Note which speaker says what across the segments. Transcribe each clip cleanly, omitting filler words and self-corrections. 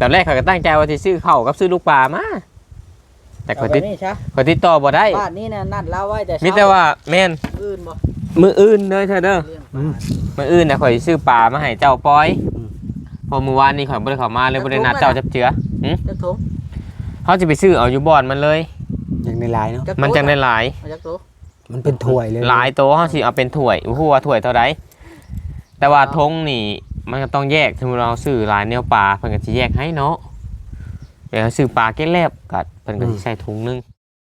Speaker 1: ตอนแรกเขาก็ตั้งใจว่าสิซื้อข้าวกับซื้อลูกปลามาแต่เขาติดต่อบ่ได้
Speaker 2: บ้านนี้เนี่ยนัดเราไว้แต่
Speaker 1: มีแต่ว่าแม่น
Speaker 2: อื่นบ่
Speaker 1: มื้ออื่นเด้อเธอเด้อมื้ออื่นน่ะข่อยซื้อปลามาให้เจ้าปอยพอมื้อวานนี้ข่อยบ่ได้เข้ามาเลยบ่ได้นัดเจ้าจับเจือ
Speaker 2: จักถุง
Speaker 1: เฮาสิไปซื้อเอาอยู่บ่อนมันเลย
Speaker 3: ยังในหลายเนาะ
Speaker 1: มันจังได้หลาย
Speaker 2: จักโต
Speaker 3: มันเป็นถ้วยเลย
Speaker 1: หลายโตเฮาสิเอาเป็นถ้วยฮู้ว่าถ้วยเท่าใดแต่ว่าทงนี่มันก็ต้องแยกถึงเราซื้อหลายแนวปลาเพิ่นก็สิแยกให้เนาะเดี๋ยวซื้อปลาแก้แลบก็เพิ่นก็สิใส่ถุงนึง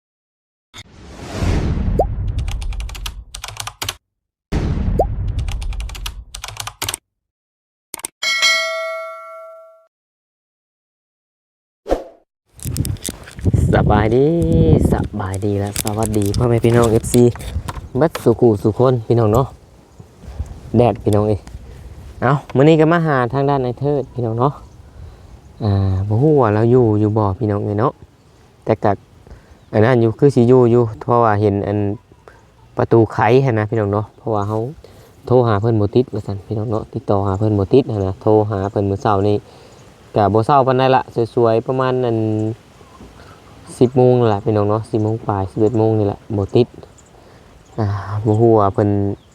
Speaker 1: สบายดีแล้วสวัสดีพ่อแม่พี่น้อง FC บัดสุขุสุคนพี่น้องเนาะแดดพี่น้องเอ้ยเอามื้อนี้ก็มาหาทางด้านไอ้เทิดพี่น้องเนาะบ่ฮู้ว่าเราอยู่บ่พี่น้องเอ้ยเนาะแต่ก็อันนั้นอยู่คือสิอยู่เพราะว่าเห็นอันประตูไขหั่นนะพี่น้องเนาะเพราะว่าเฮาโทรหาเพิ่นบ่ติดว่าซั่นพี่น้องเนาะติดต่อหาเพิ่นบ่ติดหั่นนะโทรหาเพิ่นมื้อเช้านี้ก็บ่เช้าปานใดละสวยๆประมาณนั้น10 โมงแหละพี่น้องเนาะ10 โมงปลาย11 โมงนี่แหละบ่ติดบ่ฮู้ว่าเพิ่น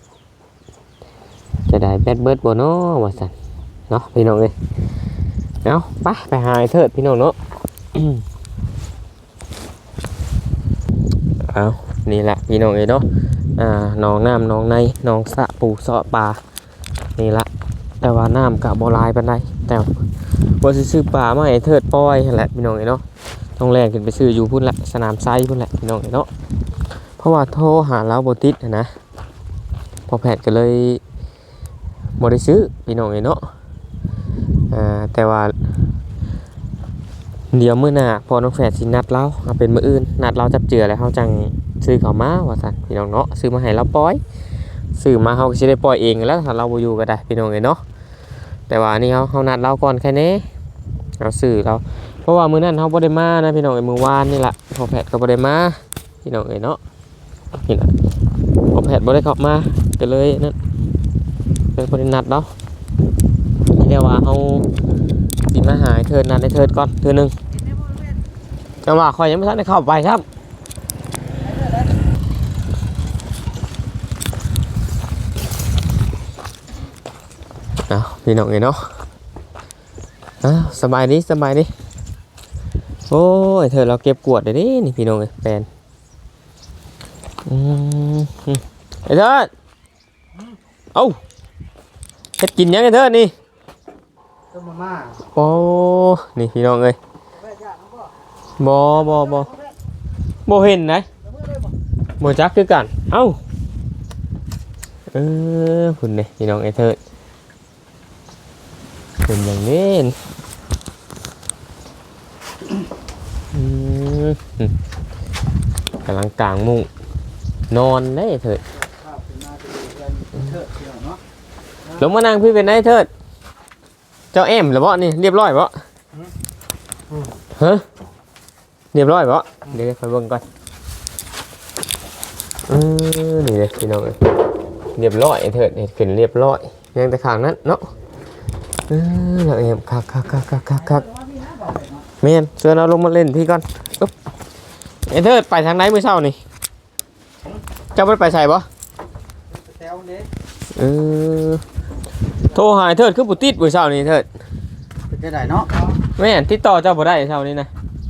Speaker 1: จะได้แบตเบิดบ่เนาะว่าซั่นเนาะพี่น้องเอ้ยเอาไปหาไอ้เทิดพี่น้องเนาะเอานี่แหละพี่น้องเอ้ยเนาะหนองน้ำหนองในหนองสระปูเสาะปลานี่ละแต่ว่าน้ำก็บ่หลายปานใดแต่บ่สิซื้อปลามาให้เทิดปล่อยนั่นแหละพี่น้องเอ้ยเนาะต้องแล่นขึ้นไปซื้ออยู่พุ่นละสนามไซพุ่นแหละพี่น้องเนาะเพราะว่าโทรหาเราบ่ติดนะพอแพทย์ก็เลยบ่ได้ซื้อพี่น้องเนาะแต่ว่าเดี๋ยวมื้อหน้าพอน้องแฝดสินัดเราเอาเป็นมื้ออื่นนัดเราจับเจือแล้วเฮาจังซื้อเข้ามาว่าซั่นพี่น้องเนาะซื้อมาให้เราปล่อยซื้อมาเฮาก็สิได้ปล่อยเองแล้วถ้าเราบ่อยู่ก็ได้พี่น้องเนาะแต่ว่านี่เฮานัดเราก่อนแค่นี้เราซื้อเราเพราะว่ามื้อนั้นเฮาบ่ได้มานะพี่น้องมื้อวานนี่ล่ะพอแพทย์ก็บ่ได้มาพี่น้องเนาะนี่ล่ะพอแพทย์บ่ได้เข้ามาก็เลยนั่นเป็นบ่ได้นัดเนาะเรียกว่าเฮาสิมาหาเทิดนัดให้เทิดก่อนเทื่อนึงจังว่าข่อยยังบ่ทันได้เข้าไปครับพี่น้องเนาะสบายดีโอ้ยเธอเราเก็บกวดได้ดินี่พี่น้องเอ้ยแฟนไอ้เธอเอ้าเฮ็ดกินยังไอ้เธอนี่
Speaker 2: ต้มมาม่า
Speaker 1: โอ้นี่พี่น้องเอ้ยบ่เห็นไหนบ่จักคือกันเอ้าคุณนี่พี่น้องไอ้เธอเป็นอย่างนี้กำลังกลางมุ้งนอนได้เถิดลงมานั่งพี่เป็นได้เถิดเจ้าแอมหรือเปล่านี่เรียบร้อยเปล่าฮะเรียบร้อยเปล่าเดี๋ยวไปเบิ่งก่อนนี่เลยพี่น้องเลยเรียบร้อยเถิดเห็ดขึ้นเรียบร้อยยังแต่ข้างนั้นเนาะเราแอมคักเมียนเชิญเราลงมาเล่นพี่ก่อนเอ็นเธอไปทางไหนมื้อเช้านี่เจ้าไปใส่บ่โทรหาเถิดคือบ่ติดมื้อเช้านี่เถิด
Speaker 2: เป็นได้เนาะ
Speaker 1: แม่นติดต่อเจ้าบ่ได้เช้านี้นะ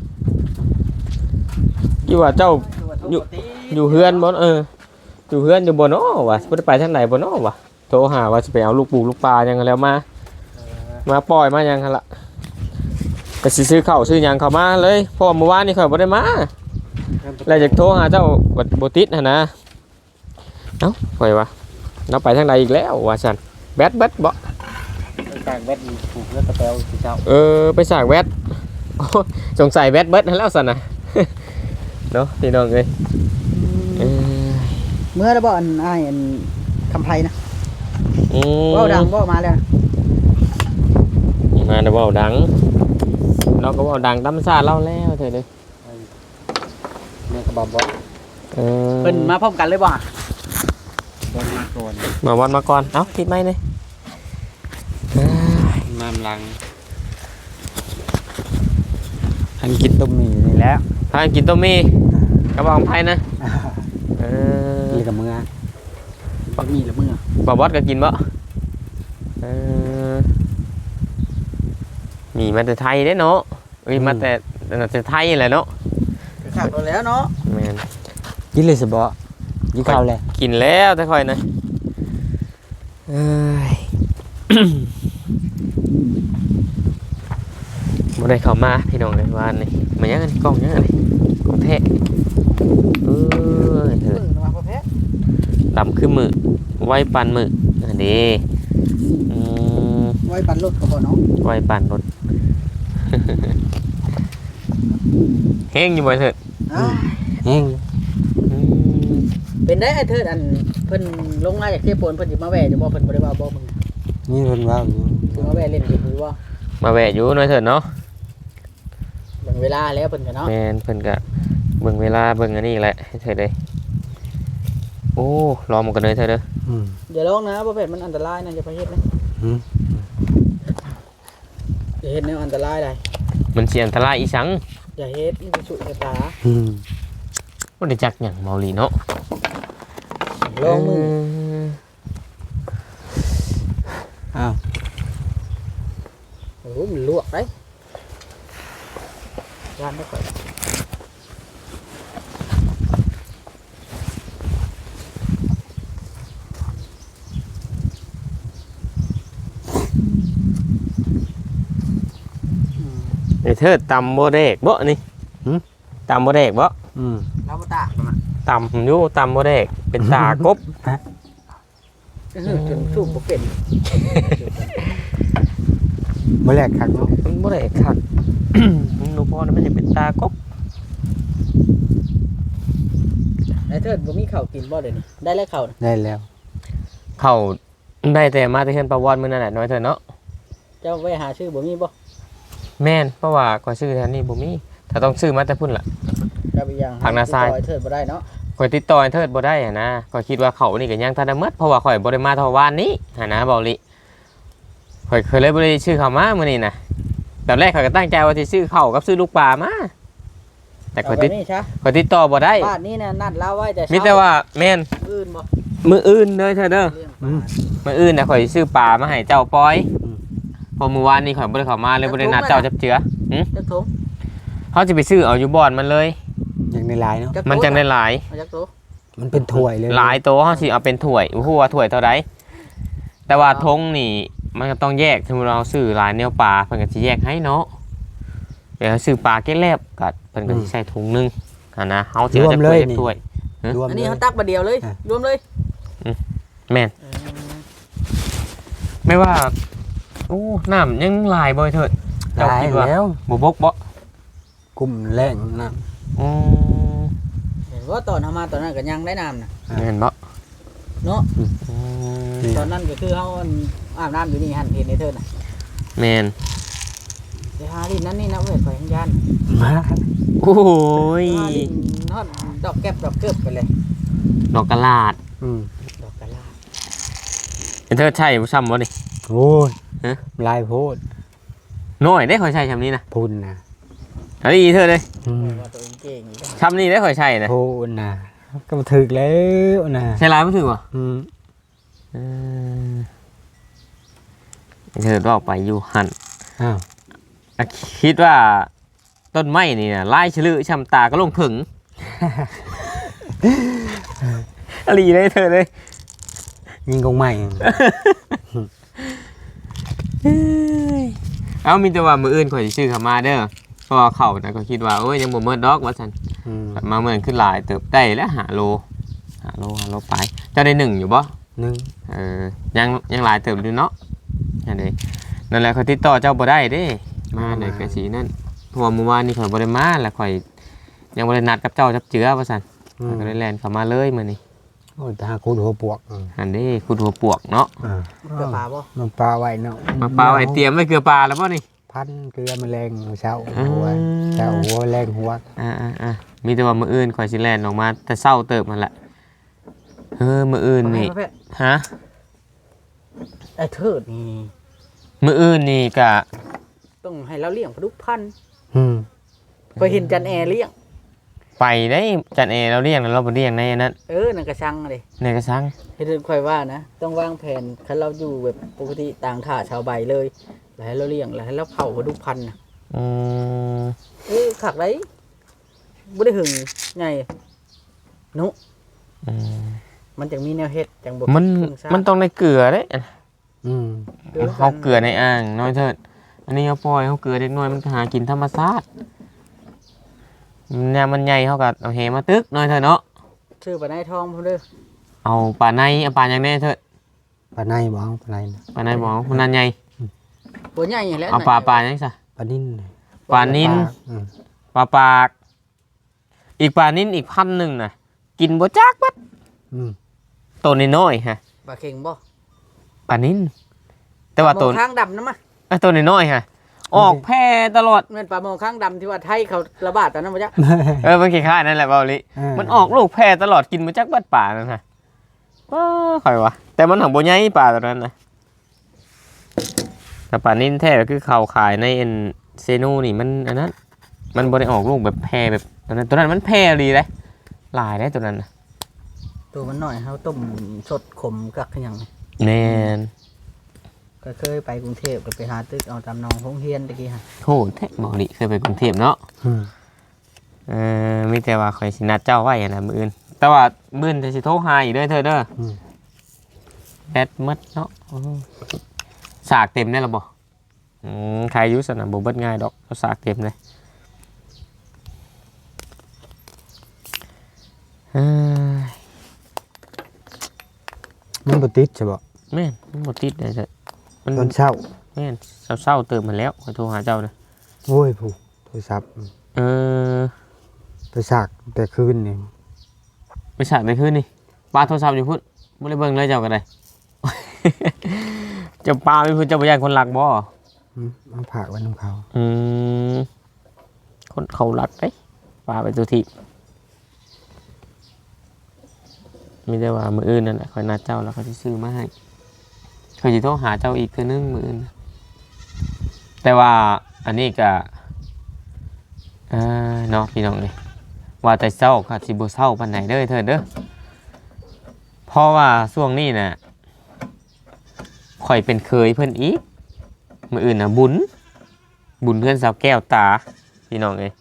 Speaker 1: กี่ว่าเจ้าอยู่เฮือนบ่อยู่เฮือนอยู่บ่เนาะวะบ่ได้ไปทางไหนบ่เนาะวะโทรหาว่าสิไปเอาลูกปูลูกปลายังแล้วมาปล่อยมายังหั่นล่ะก็สิซื้อข้าวซื้อหยังเข้ามาเลยเพราะเมื่อวานนี่ข่อยบ่ได้มาแล้วจะโทรหาเจ้าบ่ติดหั่นนะเอ้าข่อยว่าเราไปทางใดอีกแล้วว่าซั่นแบตบ่
Speaker 2: ไปสร้างแบตถูกแล้วตะแปวสิเจ้า
Speaker 1: ไปสร้างแบตสงสัยแบตเบิดแล้วซั่นน่ะเนาะพี่น้องเอ้ย
Speaker 2: เมื่อแล้วบ่อันอ้ายอันคำไผนะเว้าดังบ่มาแล้ว
Speaker 1: มาเว้าดังเราก็เว้าดังธรรมชาติเราแล้วเถิดเด้อ
Speaker 2: แม่ก็บ่เพิ่นมาพร้อมกันเลยบ่
Speaker 1: มาวันมาก่อนเอ้าปิดไมค์เลย
Speaker 2: น้ำลัง
Speaker 3: ทันกินต้มหมี่นี่แล้ว
Speaker 1: พากันกินต้มมี่กระบอกไผ่นะเออ
Speaker 3: นี่กับมือ
Speaker 2: ปักมีละมึงอ่ะ
Speaker 1: บ่บอสก็กินบ่เออมีมาแต่ไทยเด้เนาะเอ้ยมาแต่ไทยแหละเนาะ
Speaker 2: ขาดไปแล้วเนาะ
Speaker 1: แม่น
Speaker 3: กินเลยสิบ่กินข้าวเลย
Speaker 1: กินแล้วแต่ค่อยนะเอ้ย บ่ได้เข้ามาพี่น้องเลยว่านี่มันยังไงกล้องยังไงกล้องแท้เอ้ยเถิ
Speaker 2: มึ
Speaker 1: ด
Speaker 2: งมาประเภท
Speaker 1: ดำขึ้นมือไว้ปันมืออันนี้อืม
Speaker 2: ไว้ปั่นรถก็บ่เนาะ
Speaker 1: ไว้ปันรถ แห้งอยู่บ่เถิด
Speaker 3: แห้ง
Speaker 1: อืม
Speaker 2: เป็นได้ไอ้เทิดอันเพิ่นลงมาจากเทพโปนเพิ่นสิมาแว่จะบ่เพิ่นบ่ได้ว่าบ่มึง
Speaker 3: นี่เพิ่นว่าอยู่
Speaker 2: สิมาแว่เล่นอยู่หรือว่า
Speaker 1: มาแวะอยู่หน่อยเถิดเนาะ
Speaker 2: เบิ่งเวลาแล้วเพิ่นก็เนาะ
Speaker 1: แม่นเพิ่นก็เบิ่งเวลาเบิ่งอันนี้แหละให้เถิดเลยโอ้รอมันกันเลยเถิดเด้อ
Speaker 2: อย่าลองนะประเภทมันอันตรายนะอย่าไปเฮ็ดนะ
Speaker 3: อืม
Speaker 2: อย่าเฮ็ดแนวอันตรายได้
Speaker 1: มันสิอันตรายอีสัง
Speaker 2: อย่าเฮ็ดมันจะสุดตา
Speaker 3: อืม
Speaker 1: บ่ได้จักหยังเมาหลีเนาะ
Speaker 2: ลองมือ
Speaker 3: อ้าว
Speaker 2: โอ้โหมันลวกได้ร้านได้ก่อน
Speaker 1: ไอ้เถิดตำบ่แดกบ่นี่ตำบ่แดกบ่
Speaker 3: อืม
Speaker 2: เราบ่ตากมัน
Speaker 1: ตำอยู่ตำบ่แดกเป็นตากบ
Speaker 2: จนสู้บ่เป็น
Speaker 3: มื้อแรกคักเนาะ
Speaker 1: มันบ่ได้คัก หนูพ่อนั้นมันจะเป็นตากบ
Speaker 2: ไอ้เทิดบ่มีข้าวกินบ่เดี๋ยวนี้ได้แล้วข้าวน่ะ
Speaker 3: ได้แล้ว
Speaker 1: เขาได้แต่มาแต่เฮือนปลาวอนมื้อนั่นแหละน้อยเถิดเนาะ
Speaker 2: เจ้าไปหาชื่อบ่มีบ่
Speaker 1: แม่นเพราะว่าก็ซื้อแถวนี้บ่มีถ้าต้องซื้อมาแต่พุ่นล่ะ
Speaker 2: เจ้าไปยัง
Speaker 1: ผักนาทราย
Speaker 2: ติดต่อไอ้เทิดบ่ได้เนาะ
Speaker 1: ข่อยติดต่อไอ้เทิดบ่ได้อะนะข่อยคิดว่าเขานี่ก็ยังทันได้หมดเพราะว่าข่อยบ่ได้มาเท่าวานนี้หันนะเบาลิข่อยเคยเลยบ่ได้ชื่อเขามามื้อนี้นะตอนแรกข่อยก็ตั้งใจว่าสิซื้อข้าวกับซื้อลูกปลามาแต่ข่อย
Speaker 2: เอาไป
Speaker 1: ติด
Speaker 2: นี่ซะ
Speaker 1: ข่อยติดต่อบ่ได้
Speaker 2: บ้านนี้น่ะนัดเราไว้แต่เช้า
Speaker 1: มีแต่ว่าแม่น
Speaker 2: อื่นบ่
Speaker 1: มื้ออื่นเด้อเธอเด้อ
Speaker 2: เรื่องป
Speaker 3: อื
Speaker 2: ลาม
Speaker 1: มื้ออื่นน่ะข่อยสิซื้อปลามาให้เจ้าปอยเพอมื้อวานนี้ข่อยบ่ได้เข้ามาเลยบ่ได้นัดเจ้าจับเจือ
Speaker 2: จักทง
Speaker 1: เฮาสิไปซื้อเอาอยู่บ่อนมันเลย
Speaker 3: อย่างในลายเนาะ
Speaker 2: จักโต
Speaker 1: มันจังได้หลาย
Speaker 2: เอาจักโต
Speaker 3: มันเป็นถ้วยเลย
Speaker 1: หลายโตเฮาสิเอาเป็นถ้วยบ่ฮู้ว่าถ้วยเท่าใดแต่ว่าธงนี่มันก็ต้องแยกสมมุติเราซื้อหลายแนวปลาเพิ่นก็สิแยกให้เนาะเดี๋ยวซื้อปลาแก้แลบก็เพิ่นก็สิใส่ถุงนึงหั่นนะเฮาสิเอาจักถ้วย
Speaker 3: รวม
Speaker 2: อัน
Speaker 3: เล
Speaker 2: นี้
Speaker 3: ย
Speaker 2: เขาตักมาเดียวเลย
Speaker 3: อ่ะ
Speaker 2: รวมเลย
Speaker 1: แม่นไม่ว่าโอ้น้ำยังหลายบ่เถิดเจ้า
Speaker 3: ลาย
Speaker 1: คิดว่า
Speaker 3: แล้ว
Speaker 1: บ่บกบ่
Speaker 3: กุ้มแรงนะ
Speaker 1: อืม
Speaker 2: เห็นว่าตอนเอามาตอนนั้นก็ยังได้น้ำนะ
Speaker 1: เห็นบ่
Speaker 2: เนาะ
Speaker 1: อืม
Speaker 2: ตอนนั้นก็คือเขาอาบน้ำอยู่นี่หันเห็นในเธอน่ะ
Speaker 1: แม่น
Speaker 2: ไปหาดินนั้นนี่นะเว้ยไปยังยัน
Speaker 3: มา
Speaker 1: โอ้ย
Speaker 2: หาดินทอดดอกแก็บดอกเกิบไปเลย
Speaker 1: ดอกกะลาด
Speaker 3: อืม
Speaker 2: ดอกกะลา
Speaker 1: เห็นเธอใช่บ่ซ้ำบ่นี่
Speaker 3: โอ้ย
Speaker 1: ฮะ
Speaker 3: ลายโพด
Speaker 1: น้อยได้ข่อยใช้ซ้ำนี้นะ
Speaker 3: พุ่นนะ
Speaker 1: อันนี้เธอเลย
Speaker 3: อืม
Speaker 2: ว่าตัวเองเก่งอีกแล้ว
Speaker 1: ซ้ำนี้ได้ข่อยใช้นะ
Speaker 3: พุ่นนะก็มาถึกแล้วนะ
Speaker 1: ใช้หลายบ่ถึงบ่
Speaker 3: อืม
Speaker 1: เออเธอว่าไปอยู่หั่น
Speaker 3: อ้าว
Speaker 1: อะคิดว่าต้นไม้นี่นะไล่ฉลือชำตาก็ลงถึง อะไรเลยเธอเลย
Speaker 3: ยิงกงใหม่
Speaker 1: เอามีแต่ว่ามืออื่นข่อยสิซื้อเขามาเด้อเพราะว่าเขานะก็คิดว่าโอ้ยยังบ่เมิดดอกว่าซั่น
Speaker 3: อืม
Speaker 1: มาเหมือนขึ้นหลายเติบได้แล้วหาโลไปเจ้าได้1อยู่บ่
Speaker 3: หนึ่ง
Speaker 1: ยังหลายเติบอยู่เนาะนั่นเด้นั่นแหละข่อยติดต่อเจ้าบ่ได้เด้มาได้ก็สินั่นเพราะว่าเมื่อวานนี้ข่อยบ่ได้มาแล้วข่อยยังบ่ได้นัดกับเจ้าจับเจือว่าซั่น
Speaker 3: อื
Speaker 1: ข่อ
Speaker 3: ม
Speaker 1: ยก็ได้แล่นเข้ามาเลยมื้อนี้
Speaker 3: โอ้ยตาคูดหัวปวกอืม
Speaker 1: อันนี้คุณหัวปวกเนาะ
Speaker 3: อ่า
Speaker 2: เกลือปลาบ่
Speaker 3: มันปลาไว้เนาะ
Speaker 1: มาปลาไว้เตรียมไว้เกลือปลาแล้วป่ะนี่
Speaker 3: พันเกลือแมลงเช้าหัวเช้าหัวแรงหัว
Speaker 1: มีแต่ว่ามืออื่นข่อยสิแลนออกมาแต่เศร้าเติบมันแหละมืออื่นนี่
Speaker 2: ประเภท
Speaker 1: ฮะ
Speaker 2: ไอ้เทิดนี่
Speaker 1: มืออื่นนี่กะ
Speaker 2: ต้องให้เราเลี้ยงปลาดุกพันธุ์
Speaker 3: อืม
Speaker 2: ก็เห็นจันแอเลี้ยง
Speaker 1: ไปได้จันเอเราเรียกเราบ่เรียกในนั้น
Speaker 2: นั่นก็ช่างเลย
Speaker 1: ในกระสัง
Speaker 2: เฮ็ดค่อยว่านะต้องวางแผนคันเราอยู่แบบปกติต่างท่าชาวใบเลยแล้วให้เราเลี้ยงแล้วให้เราเผาปลาดุกพันธุ์น่ะ
Speaker 1: อืม
Speaker 2: ขักได้บ่ได้หึงไงนุ
Speaker 1: อืม
Speaker 2: มันจังมีแนวเฮ็ดจังบ่
Speaker 1: มันต้องได้เกลือเด้
Speaker 3: อืม
Speaker 1: เขาเกลือในอ่างน้อยเถิดอันนี้เขาปล่อยเขาเกลือเล็กน้อยมันหากินธรรมชาติเนี่ยมันใหญ่เขาก็เอาเหมาตึกน้อยเถิดเนาะ
Speaker 2: ชื่อปลาในทองพุ่นเด้อ
Speaker 1: เอาปลาในเอาปลาอย่างแน่เถิด
Speaker 3: ปลาในบ่เอาปลาในนะ
Speaker 1: ปลาในบอกมันนั่นใหญ่
Speaker 2: ตัวใหญ่แหล้ว
Speaker 1: เอาปลาอย่างนี้ซะ
Speaker 3: ปลานิ่น
Speaker 1: ปลานิน
Speaker 3: อืม
Speaker 1: ปลาปากอีกปลานินอีก1,000น่ะกินบ่จักบัด
Speaker 3: อืม
Speaker 1: ตัวน้อยๆฮะ
Speaker 2: ปลาเข็งบ่
Speaker 1: ปลานินแต่ว่าตัว
Speaker 2: ปลาหมอข้างดำนะมะ
Speaker 1: ตัวน้อยๆฮะออกแพร่ตลอด
Speaker 2: แม่นปลาหมอข้างดำที่ว่าไทยเขาระบาดตอนนั้นบ่จ๊ะ
Speaker 1: มันคล้ายๆนั่นแหละเบาลิมันออกลูกแพร่ตลอดกินมาจากบ้านป่านั่นฮะว้าค่อยวะแต่มันหังโบใหญ่ป่าตอนนั้นนะแต่ป่านินแท้ก็คือเขาขายในเอ็นเซโนนี่มันอันนั้นมันบ่ได้ออกลูกแบบแพร่แบบตอนนั้นมันแพร่ดีเลยหลายได้ตัวนั้นน่ะ
Speaker 2: ตัวมันน้อยเฮาต้มสดขมกักคือหยัง
Speaker 1: แน่น
Speaker 2: ก็เคยไปกรุงเทพก็ไปหาตึกเอาตามหนองโรงเรียนตะกี้ฮะ
Speaker 1: โหแท้เบาลิเคยไปกรุงเทพเนาะ
Speaker 3: อืม
Speaker 1: มีแต่ว่าคอยสินัดเจ้าไว้อะนะมื้ออื่นแต่ว่ามื้ออื่นจะสิโทรหาอีกเด้อเธอเด้อ
Speaker 3: อืม
Speaker 1: แบตหมดเนาะสากเต็มได้หรอบ่ใครอยุสนะบ่เบิดง่ายดอกเอาสากเต็มเลยเอ้ย
Speaker 3: มันบ่ติดใช่บ่
Speaker 1: แม่นมันบ่ติดเลยจ้ะมัน
Speaker 3: ตอนเช้า
Speaker 1: แม่นเศร้าๆเติมมาแล้วขอโทรหาเจ้านะ
Speaker 3: โอ้ยผู้โทรศัพท์
Speaker 1: เออ
Speaker 3: ไปสากแต่คืนนี่
Speaker 1: ไปสากในคืนนี่ปาโทรศัพท์อยู่พุ่นบ่ได้เบิ่งเลยเจ้าก็ได้ เจ้าปาไม่พุ่นเจ้าบ่ย่านคนหลักบ่
Speaker 3: เอาผักไว้นํเขา
Speaker 1: อืมคนเขาหลักเด้ปาไปตัวที่มีแต่ว่ามื้ออื่นนั่นแหละคอยนัดเจ้าแล้วเขาสิซื้อมาให้คอยสิโทรหาเจ้าอีกเทื่อนึงมื้ออื่นแต่ว่าอันนี้ก็เนาะพี่น้องเอ้ยว่าแต่เช้าก็สิบ่เช้าปานใดเด้อเถิดเด้อเพราะว่าช่วงนี้น่ะข่อยเป็นเคยเพิ่นอีกมื้ออื่นน่ะบุญเพื่อนสาวแก้วตาพี่น้องเอ้ย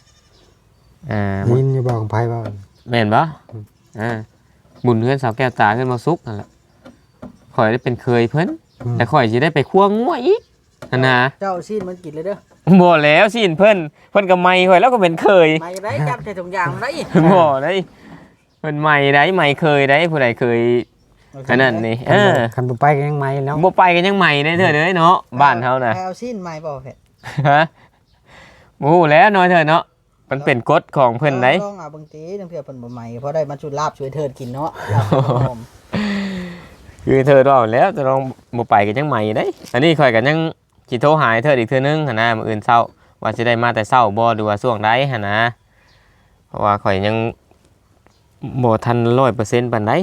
Speaker 3: ยินอยู่บ่ของไผบ่
Speaker 1: แม่นบ่บุญเพื่อนสาวแก้วตาขึ้นมาซุกนั่นแหละข่อยได้เป็นเคยเพิ่นแต่ข่อยสิได้ไปคั่วงัวอีกนั่นนะ
Speaker 2: เจ้าซีนมันกินเลยเด้อ
Speaker 1: บ่แล้วสิเพิ่นก็ใหม่ข่อยแล้วก็เป็นเคย
Speaker 2: ไม่ได้จับใส่ถุงยางได้
Speaker 1: บ่ได้เพิ่นใหม่ได้ใหม่เคยได้ผู้ใดเคยอันนั้นนี่
Speaker 3: คันบ่ไปก็ยังใหม่เนาะ
Speaker 1: บ่ไปกันยังใหม่ได้เด้อเด้อเนาะบ้านเฮาน่ะ
Speaker 2: แพวซีนใหม่บ่เผ็ด
Speaker 1: ฮะโอ้แล้วน้อยเถอะเนาะมันเป็นกฎของเพิ่นได้
Speaker 2: ต้องเอาบางทีจังเทื่อเพิ่นบ่ใหม่เพราะได้มาชุดลาบช่วยเทิดกินเนาะ
Speaker 1: คือเธอรอแล้วจะลองบ่ไปกันยังใหม่ได้อันนี้ข่อยกันยังสิโทรหาเธออีกเทื่อนึงหั่นนะมื้ออื่นเช้าว่าสิได้มาแต่เช้าบ่หรือว่าช่วงใดหั่นนะเพราะว่าข่อยยังบ่ทัน 100% ปานใด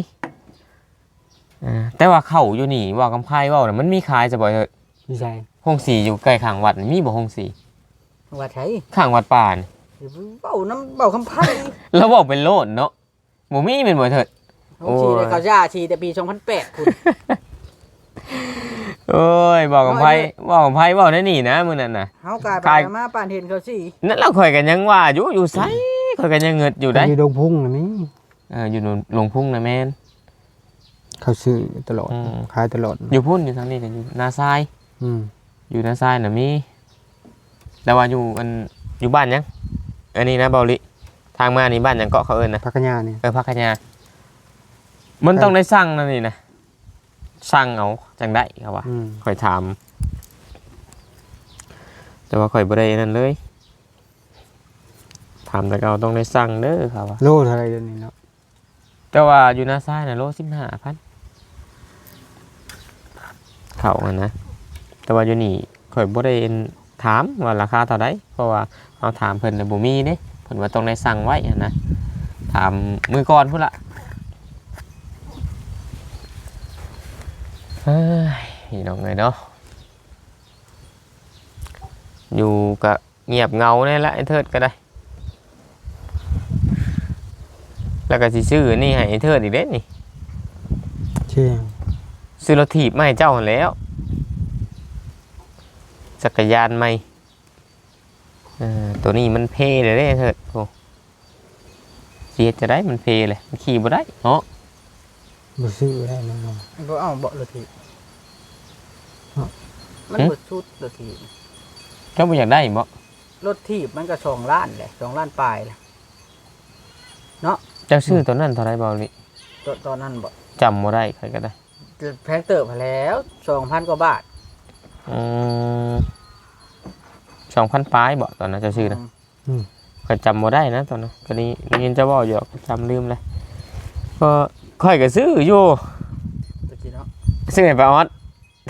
Speaker 1: แต่ว่าเข้าอยู่นี่ว่ากำไพเว้าน่ะมันมีขายจะบ่เถอะ
Speaker 3: ไม่ใช่
Speaker 1: ห้องสีอยู่ใกล้ข้างวัดนี่มีบ่ห้องสี
Speaker 2: ว่าไผ
Speaker 1: ข้างวัดป่านี่
Speaker 2: เว้าน้ำเว้าคำไผ
Speaker 1: แล้วบอกเป็นโลดเนาะบ่มีเป็นบ่เถิด
Speaker 2: โอ้ชีได้เขาย่าชีแต่ปี2008คุณ
Speaker 1: โอ้ยบอกกับไผบอกได้นี่นะมื้อนั้นน่ะ
Speaker 2: เฮากลายไปมาป่านเห็นเขาสิ
Speaker 1: นั่นเราข่อยกันยังว่าอยู่ไสข่อยกันยังเงิดอยู่ได้
Speaker 3: อยู่ดงพุ่งน่ะมี
Speaker 1: อยู่หลวงพุ่งนะแม่น
Speaker 3: เขาซื้อตลอด
Speaker 1: อืม
Speaker 3: ขายตลอด
Speaker 1: อยู่พุ่นอยู่ทางนี้กันอยู่นาทราย
Speaker 3: อืม
Speaker 1: อยู่นาทรายน่ะมีแต่ว่าอยู่บ้านยังอันนี้นะเบาลิทางมานี่บ้านยังเกาะเขาเอิ้นนะ
Speaker 3: พักกะยาเนี่ย
Speaker 1: พักขยามันต้องได้สั่งนั่นนี่นะสั่งเอาจังได้ครับว่า
Speaker 3: อืม
Speaker 1: ข่อยถามแต่ว่าข่อยบ่ได้นั่นเลยถามแต่เราต้องได้สั่งเด้อครับว่า
Speaker 3: โลเท่าไหรเดี๋ยวนี้เนาะ
Speaker 1: แต่ว่าอยู่นาทรายน่ะโล15,000เขาอะนะแต่ว่าอยู่นี่ข่อยบ่ได้ถามว่าราคาเท่าใดเพราะว่าเอาถามเพิ่นน่ะบ่มีเด้เพิ่นว่าต้องได้สั่งไว้อะนะถามมือก่อนพุ่นละเฮ้ยพี่น้องเอ้ยเนาะอยู่กับเงียบเงาเนี่ยละไอ้เทิดก็ได้แล้วก็สิซื้อนี่ให้ไอ้เทิดอีกเด้นี่
Speaker 3: เชี่ยง
Speaker 1: ซื้อรถถีบมาให้เจ้าหั่นแล้วจักรยานใหม่ตัวนี้มันเพเลยเด้เถิดโอ้เสียจะได้มันเพเลยมันขี่บ่ได้เนาะ
Speaker 3: บ่ซื้อได้แน่นอน
Speaker 2: บ่เอาเบาะรถถีบมันบ่ชุดรถถีบ
Speaker 1: เจ้าบ่อยากได้บ่
Speaker 2: รถถีบมันก็2 ล้านแหละ2 ล้านปลายแหละ
Speaker 1: เจ้าซื้อตัวนั้นเท่าไรเบาลิ
Speaker 2: ตอนนั้นบ่
Speaker 1: จำบ่ได้ใครก็ได้
Speaker 2: แพงเติบมาแล้ว 2,000 กว่าบาท
Speaker 1: 2,000ปลายบ่ตอนนั้นเจ้าซื้อนะก็จำบ่ได้นะตอนนั้นก็นี่ยินเจ้าเว้าอยู่จำลืมเลยก็ค่อยก็ซื้ออยู่
Speaker 2: ตะกี้เนาะ
Speaker 1: ซื้อให้ป้าออด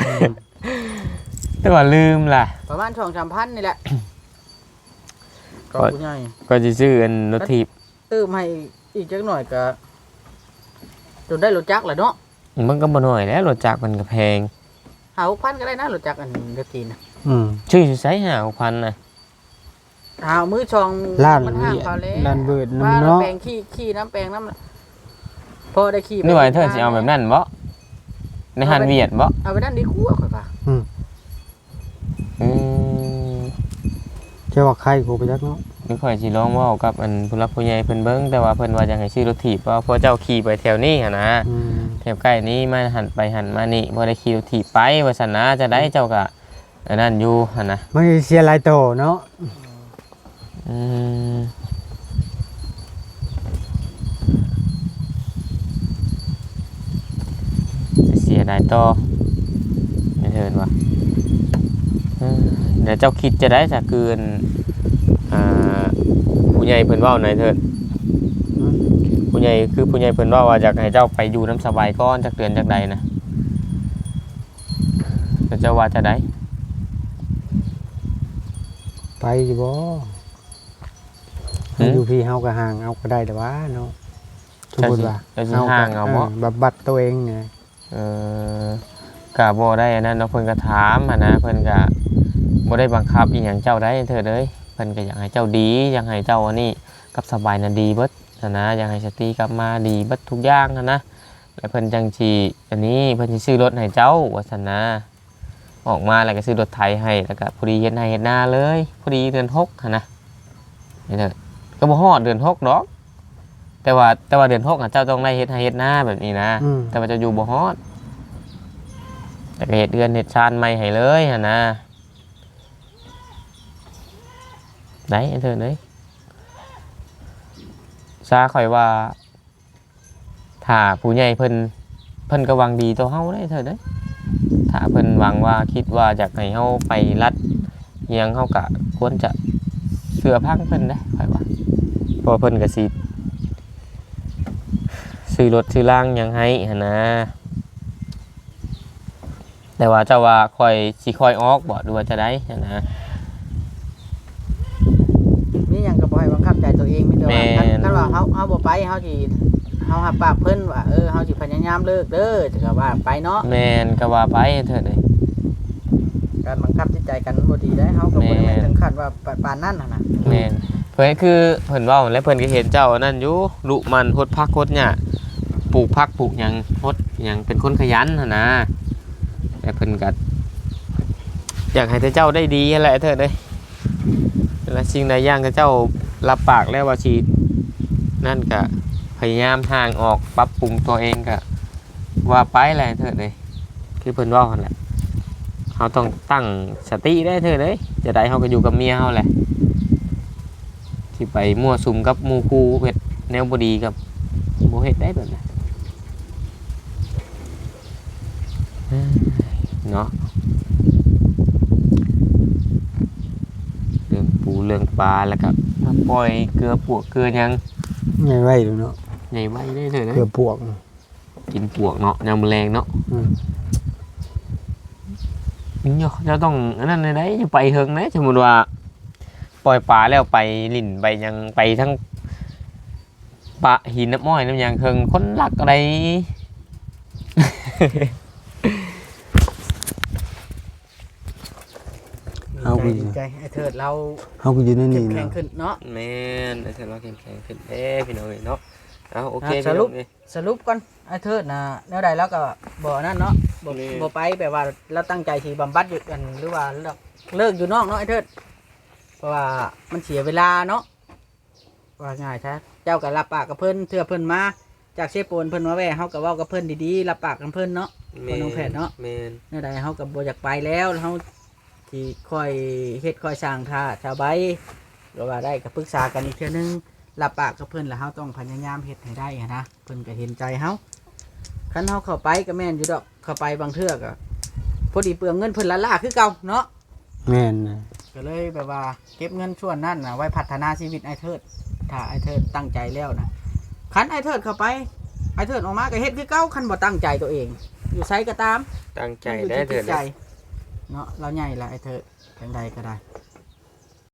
Speaker 1: แต่ว่าลืมล่ะ
Speaker 2: ประมาณ 2-3,000 นี่แหละก็ผู้ใหญ่
Speaker 1: ก็สิซื้ออันรถถีบ
Speaker 2: ตื้มให้อีกจักหน่อยก็จนได้รถจักรแหละเนาะ
Speaker 1: มันก็บ่น้อยแล้วรถจักรมันก็แพง
Speaker 2: 5-6,000 ก็ได้นะรถจักรอันรถจีนน่ะ
Speaker 1: ชื่อสิใช้5,000น่ะ
Speaker 2: มือช่อง
Speaker 3: ล้าน
Speaker 2: มันห่างเขาแล้ว
Speaker 3: ล้านเบิด
Speaker 2: ว่า
Speaker 3: น้ำเนาะ
Speaker 2: แปลงขี้น้ำแปลงน้ำพอได้ขี้
Speaker 1: นึกว่าเธอสิเอาแบบนั้นบ่ในหันเวียดบ่
Speaker 2: เอาไปนั่นดีกว่าข่อยป่ะ
Speaker 1: อืม
Speaker 3: เจ้าว่าใครกูไปจักเนาะ
Speaker 1: นึกค่อยสิลองเว้ากับอันผู้รักผู้ใหญ่เพิ่นเบิ่งแต่ว่าเพิ่นว่าอยากให้ซื้อรถถีบเพราะเจ้าขี่ไปแถวนี้หั่นนะแถวใกล้นี้มาหันไปหันมานี่บ่ได้ขี่รถถีบไปว่าซั่นนะจะได้เจ้าก็อันนั้นอยู่หั่นนะ
Speaker 3: มันเสียหลายโตเนาะ
Speaker 1: อืมเสียดายต่อไม่เถินว่ะเดี๋ยวเจ้าคิดจะได้จากเกินผู้ใหญ่เพิ่นเว้าหน่อยเถิดผู้ใหญ่คือผู้ใหญ่เพิ่นเว้าว่าอยากให้เจ้าไปอยู่น้ำสบายก่อนจากเดือนจากใดนะแล้วเจ้าว่าจะได้
Speaker 3: ไปอยู่บ่อยู่พี่เฮาก็ห่างเอาก็ได้แต่ว่าเนาะสมมุติว่า
Speaker 1: เจ้าสิห่างเอาบ่
Speaker 3: บับบัดตัวเองไง
Speaker 1: กะบ่ได้อันนั้นเนาะเพิ่นก็ถามหั้นนะเพิ่นก็บ่ได้บังคับอีหยังเจ้าได้เถิดเอ้ยเพิ่นก็อยากให้เจ้าดีอยากให้เจ้าอันนี้กับสบายน่ะดีเบิดนะอยากให้สติกลับมาดีเบิดทุกอย่างหั้นนะแล้วเพิ่นจังสิอันนี้เพิ่นสิซื้อรถให้เจ้าว่าซั่นนะออกมาแล้วก็ซื้อรถไถให้แล้วก็พอดีเฮ็ดให้เฮ็ดนาเลยพอดีเดือน6หั่นนะนี่เถิดก็บ่ฮอดเดือน6ดอกแต่ว่าเดือน6อ่ะเจ้าต้องได้เฮ็ดให้เฮ็ดนาแบบนี้นะแต่ว่าจะอยู่บ่ฮอดแต่ก็เฮ็ดเดือนเฮ็ดชานใหม่ให้เลยหั่นนะได้เถิดเอ้ยซาข่อยว่าถ้าผู้ใหญ่เพิ่นก็หวังดีต่อเฮาได้เถิดเด้ยถ้าเพิ่นหวังว่าคิดว่าอยากให้เฮาไปรัดเฮียงเฮาก็ควรจะเชื่อพังเพิ่นได้ข่อยว่าเพราะเพิ่นก็สิซื้อรถซื้อล่างหยังให้หั่นนะแต่ว่าเจ้าว่าค่อยสิค่อยออกบ่ดูว่าจะได้หั่นนะ
Speaker 2: นี่ยังก็บ่ให้บังคับใจตัวเองไม่ได้ว่าคันว่าเฮาบ่ไปเฮาสิเฮาหับปากเพิ่นว่าเฮาสิพยายามเลิกเด้อแต่ก็ว่าไปเนาะ
Speaker 1: แม่นก็ว่าไปเถิดเด้ย
Speaker 2: การบังคับจิตใจกันบ่ดีได้เฮาก็บ่ได้แม่นถึงขั้นว่าปานนั้นน่ะ
Speaker 1: แม่นเพิ่นคือเพิ่นเว้าและเพิ่นก็เห็นเจ้านั่นอยู่ลุมันฮดพักฮดหญ้าปลูกผักปลูกหยังฮดหยังเป็นคนขยันหั่นนะแต่เพิ่นก็อยากให้แต่เจ้าได้ดีนั่นแหละเถิดเด้ยและสิ่งใดอย่างที่เจ้ารับปากแล้วว่าสินั่นก็พยายามห่างออกปรับปรุงตัวเองก็ว่าไปแหละเถิดเด้ยคือเพิ่นเว้าหั่นแหละเฮาต้องตั้งสติได้เถิดเด้ยจะได้เฮาก็อยู่กับเมียเฮาแหละที่ไปมั่วสุมกับหมู่คู่เฮ็ดแนวบ่ดีกับบ่เฮ็ดได้แบบนั้นเนาะเรื่องปูเรื่องปลาแล้วก็มาปล่อยเกลือปวกเกลือหยัง
Speaker 3: ใหญ่ไว้ดูเนาะ
Speaker 1: ใหญ่ไว้ได้เลยนะ
Speaker 3: เกือบปวก
Speaker 1: กินปวกเนาะยามแรงเนาะจะต้องอันนั้นเลยได้จะไปเฮิงนะสมมุติว่าปล่อยปลาแล้วไปลิ่นไปยังไปทั้งปะหินน้ำม้อยน้ำยางเฮิงคนหลักอะไร
Speaker 2: ร
Speaker 3: เอาไป
Speaker 2: ดีใจไอ้เถิดเรา
Speaker 3: เฮาก็อยู่ใน
Speaker 2: เข้
Speaker 3: นี่
Speaker 2: มแข็
Speaker 3: นะ
Speaker 2: งขึ้นเนาะ
Speaker 1: แม่นไอ้เธอเราเข้มแข็งขึ้นพี่น้องเอ้ยเนาะเอาโอเค
Speaker 2: สรุป
Speaker 1: พี่น้องเอ้ย
Speaker 2: สรุปก่อนไอ้เถิดนะแนวใดแล้วก็บ่นั่นเนาะบ่
Speaker 1: นี่
Speaker 2: บ่ไปแบบว่าเราตั้งใจสิบำบัดอยู่กันหรือว่าเลิกอยู่นอกเนาะไอ้เถิดเพราะว่ามันเสียเวลาเนาะว่าง่ายซะเจ้าก็รับปากกับเพิ่นเทื่อเพิ่นมาจากเชฟโปนเพิ่นมาแว่เฮาก็เว้ากับเพิ่นดีๆรับปากกับเพิ่นเนาะ บ่น้องแพทย์เนาะ
Speaker 1: แม่น
Speaker 2: แนวใดเฮาก็บ่อยากไปแล้วเฮาที่ค่อยเฮ็ดค่อยสร้างท่าชาวใบก็ว่าได้ก็ปรึกษากันอีกเทื่อนึงรับปากกับเพิ่นแล้วเฮาต้องพยายามเฮ็ดให้ได้หั้นนะเพิ่นก็เห็นใจเฮาคันเฮาเข้าไปก็แม่นอยู่ดอกเข้าไปบางเทื่อก็พอดีเปลืองเงินเพิ่นละล่าคือเก่าเนาะ
Speaker 3: แม่นนะ
Speaker 2: ก็เลยแบบว่าเก็บเงินส่วนนั้นน่ะไว้พัฒนาชีวิตไอ้เทิดถ้าไอ้เทิดตั้งใจแล้วนะคันไอ้เทิดเข้าไปไอ้เทิดออกมาก็เฮ็ดคือเก่าคันบ่ตั้งใจตัวเอง อยู่ไสก็ตาม
Speaker 1: ตั้งใจ
Speaker 2: อยู่
Speaker 1: ได้
Speaker 2: ที่
Speaker 1: เถิ
Speaker 2: จิ
Speaker 1: ด
Speaker 2: ตใจเนาะเราใหญ่ละไอ้เทิดจังใดก็ได้